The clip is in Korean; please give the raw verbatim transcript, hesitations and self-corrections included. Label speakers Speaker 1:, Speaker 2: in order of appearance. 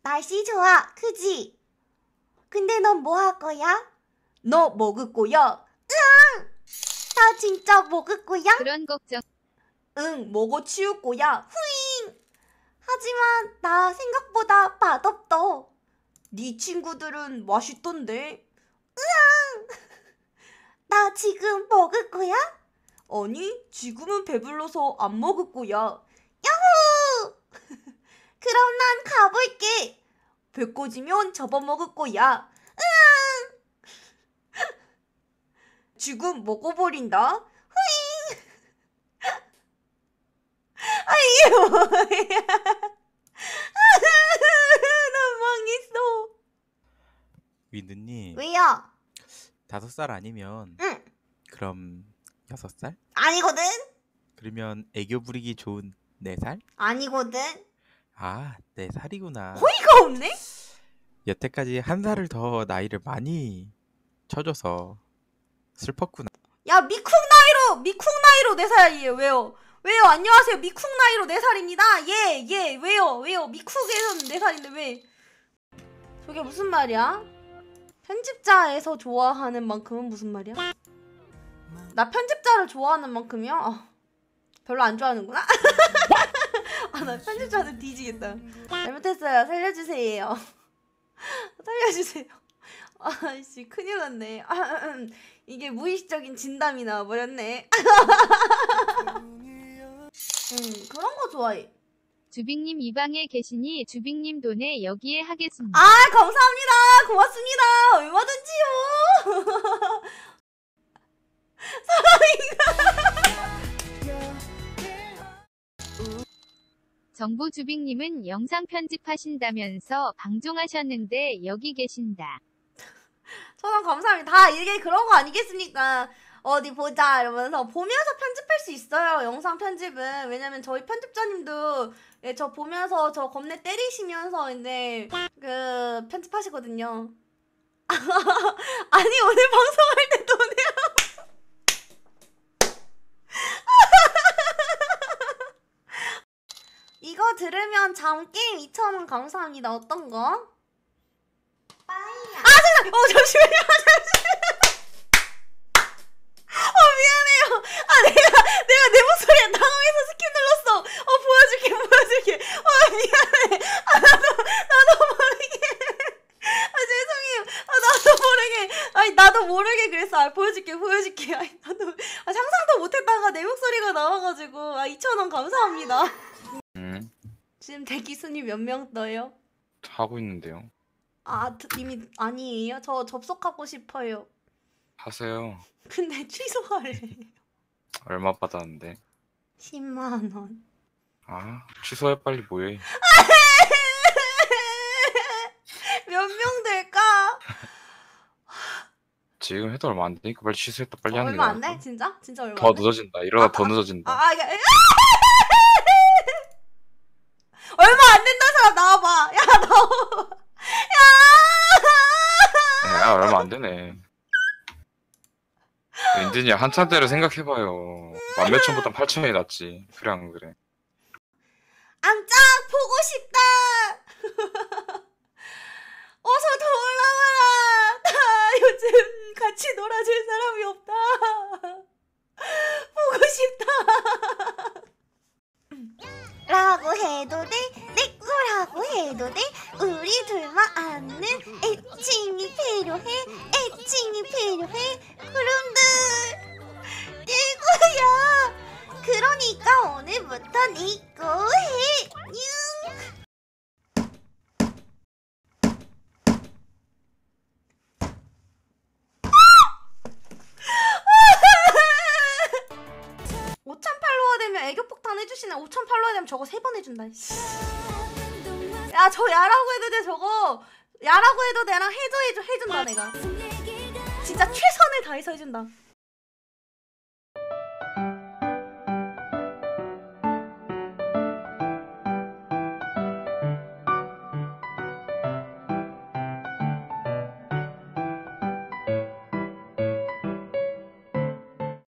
Speaker 1: 날씨 좋아, 그지? 근데 넌 뭐 할 거야? 너 먹을 거야? 으앙! 나 진짜 먹을 거야?
Speaker 2: 그런 걱정.
Speaker 1: 응, 먹어 치울 거야. 후잉! 하지만 나 생각보다 맛없다. 네 친구들은 맛있던데. 으앙! 나 지금 먹을 거야? 아니, 지금은 배불러서 안 먹을 거야. 야호! 그럼 난 가볼게. 배 꺼지면 잡아먹을 거야. 으앙! 지금 먹어버린다. 후잉! 아, 이게 뭐야? 난 망했어.
Speaker 3: 위드님,
Speaker 1: 왜요?
Speaker 3: 다섯 살 아니면
Speaker 1: 응,
Speaker 3: 그럼 여섯 살?
Speaker 1: 아니거든?
Speaker 3: 그러면 애교 부리기 좋은 네 살?
Speaker 1: 아니거든?
Speaker 3: 아, 네 살이구나.
Speaker 1: 어이가 없네?
Speaker 3: 여태까지 한 살을 더 나이를 많이 쳐줘서 슬펐구나.
Speaker 1: 야, 미쿵 나이로, 미쿵 나이로 네 살이에요. 왜요? 왜요? 안녕하세요. 미쿵 나이로 네 살입니다. 예, 예, 왜요? 왜요? 미쿡에서는 네 살인데 왜? 저게 무슨 말이야? 편집자에서 좋아하는 만큼은 무슨 말이야? 나 편집자를 좋아하는 만큼이야? 아, 별로 안 좋아하는구나? 아, 나 편집자들 뒤지겠다. 잘못했어요. 살려주세요. 살려주세요. 아씨, 큰일 났네. 이게 무의식적인 진담이 나와버렸네. 음, 그런 거 좋아해.
Speaker 2: 주빅님 이 방에 계시니 주빅님 돈에 여기에 하겠습니다.
Speaker 1: 아, 감사합니다. 고맙습니다. 얼마든지요.
Speaker 2: 정부 주빅님은 영상 편집하신다면서 방종하셨는데 여기 계신다.
Speaker 1: 천원 감사합니다. 다 이게 그런 거 아니겠습니까? 어디 보자 이러면서 보면서 편집할 수 있어요. 영상 편집은. 왜냐면 저희 편집자님도 예, 저 보면서 저 겁내 때리시면서 이제 그 편집하시거든요. 아니, 오늘 방송할 때 돈이요. 이거 들으면 잠게임 이천 원 감사합니다. 어떤 거? 빠이야. 아, 잠깐! 어, 잠시만요. 잠시만요. 어, 미안해요. 아, 내가, 내가 내 목소리에 당황해서 스킵 눌렀어. 어, 보여줄게, 보여줄게. 어, 미안해. 아, 나도, 나도 모르게. 아, 죄송해요. 아, 나도 모르게. 아니, 나도 모르게 그랬어. 아, 보여줄게, 보여줄게. 아니, 나도, 아, 상상도 못했다가 내 목소리가 나와가지고. 아, 이천 원 감사합니다.
Speaker 4: 음,
Speaker 1: 지금 대기 순위 몇 명 떠요?
Speaker 4: 하고 있는데요.
Speaker 1: 아, 이미 아니에요? 저 접속하고 싶어요.
Speaker 4: 하세요.
Speaker 1: 근데 취소하래.
Speaker 4: 얼마 받았는데?
Speaker 1: 십만 원.
Speaker 4: 아, 취소해 빨리 뭐해.
Speaker 1: 몇 명 될까?
Speaker 4: 지금 해도 얼마 안 되니까 빨리 취소했다 빨리
Speaker 1: 어,
Speaker 4: 하는 게
Speaker 1: 얼마 안
Speaker 4: 나을
Speaker 1: 돼?
Speaker 4: 거.
Speaker 1: 진짜? 진짜 얼마
Speaker 4: 더
Speaker 1: 안 돼?
Speaker 4: 늦어진다. 이러다
Speaker 1: 아,
Speaker 4: 더
Speaker 1: 아,
Speaker 4: 늦어진다.
Speaker 1: 아, 아, 야, 얼마 안 된다는 사람 나와봐. 야, 나와. 야!
Speaker 4: 야, 얼마 안 되네. 윈드님 한참대로 생각해봐요. 만 몇천보다 팔천이 낫지. 그래 안 그래?
Speaker 1: 앙짱 보고 싶다. 어서 더 올라와라. 나 요즘 같이 놀아줄 사람이 없다. 보고 싶다. 라고 해도 돼, 내 거라고 해도 돼. 우리 둘만 아는 애칭이 필요해. 애칭이 필요해. 그럼들 내 거야. 그러니까 오늘부터 네 거 해. 뀨. 오천 팔로워 되면 애교폭탄 해주시네. 오천 팔로워 되면 저거 세 번 해준다. 야, 저 야라고 해도 돼. 저거 야라고 해도 돼랑 해줘 해줘 해준다. 내가 진짜 최선을 다해서 해준다.